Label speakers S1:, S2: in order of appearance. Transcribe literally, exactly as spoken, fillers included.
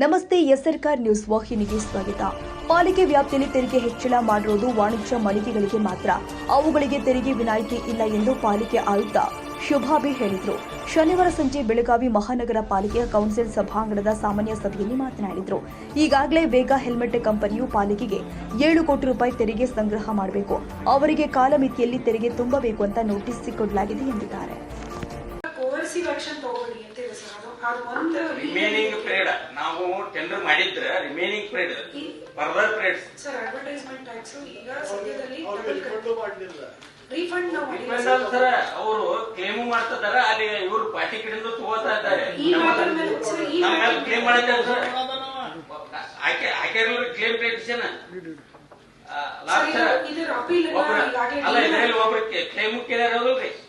S1: ನಮಸ್ತೆ ಎಸ್ಆರ್ಕಾರ್ ನ್ಯೂಸ್ ವಾಹಿನಿಗೆ ಸ್ವಾಗತ. ಪಾಲಿಕೆ ವ್ಯಾಪ್ತಿಯಲ್ಲಿ ತೆರಿಗೆ ಹೆಚ್ಚಳ ಮಾಡಿರುವುದು ವಾಣಿಜ್ಯ ಮಳಿಗೆಗಳಿಗೆ ಮಾತ್ರ. ಅವುಗಳಿಗೆ ತೆರಿಗೆ ವಿನಾಯಿತಿ ಇಲ್ಲ ಎಂದು ಪಾಲಿಕೆ ಆಯುಕ್ತ ಶುಭಾಬಿ ಹೇಳಿದರು. ಶನಿವಾರ ಸಂಜೆ ಬೆಳಗಾವಿ ಮಹಾನಗರ ಪಾಲಿಕೆಯ ಕೌನ್ಸಿಲ್ ಸಭಾಂಗಣದ ಸಾಮಾನ್ಯ ಸಭೆಯಲ್ಲಿ ಮಾತನಾಡಿದರು. ಈಗಾಗಲೇ ವೇಗ ಹೆಲ್ಮೆಟ್ ಕಂಪನಿಯು ಪಾಲಿಕೆಗೆ ಏಳು ಕೋಟಿ ರೂಪಾಯಿ ತೆರಿಗೆ ಸಂಗ್ರಹ ಮಾಡಬೇಕು. ಅವರಿಗೆ ಕಾಲಮಿತಿಯಲ್ಲಿ ತೆರಿಗೆ ತುಂಬಬೇಕು ಅಂತ ನೋಟಿಸ್ ಕೊಡಲಾಗಿದೆ ಎಂದಿದ್ದಾರೆ.
S2: ರಿಮೇನಿಂಗ್ ಪೀರಿಯಡ್ ನಾವು ಟೆಂಡರ್ ಮಾಡಿದ್ರೆ remaining period further period
S3: sir advertisement tax ಈಗ ಸದ್ಯದಲ್ಲಿ ರೀಫಂಡ್ ನಾವು
S2: ಸರ್ ಅವರು ಕ್ಲೇಮ್ ಮಾಡ್ತಿದ್ದಾರೆ. ಅಲ್ಲಿ ಇವರು ಪಾರ್ಟಿ ಕಡೆಯಿಂದ ತಗೋತಾ ಇದ್ದಾರೆ. ನಮ್ಮ ಕ್ಲೇಮ್ ಮಾಡಿದ್ದಾರೆ ಸರ್. ಆಕೆ ಆಕೆ ಕ್ಲೇಮ್ ಪ್ಲೇಟಿಷನ್ ಅಲ್ಲ, ಇದರಲ್ಲಿ ಒಬ್ರು ಕ್ಲೇಮ್ ಕೇಳ್ಯಾರ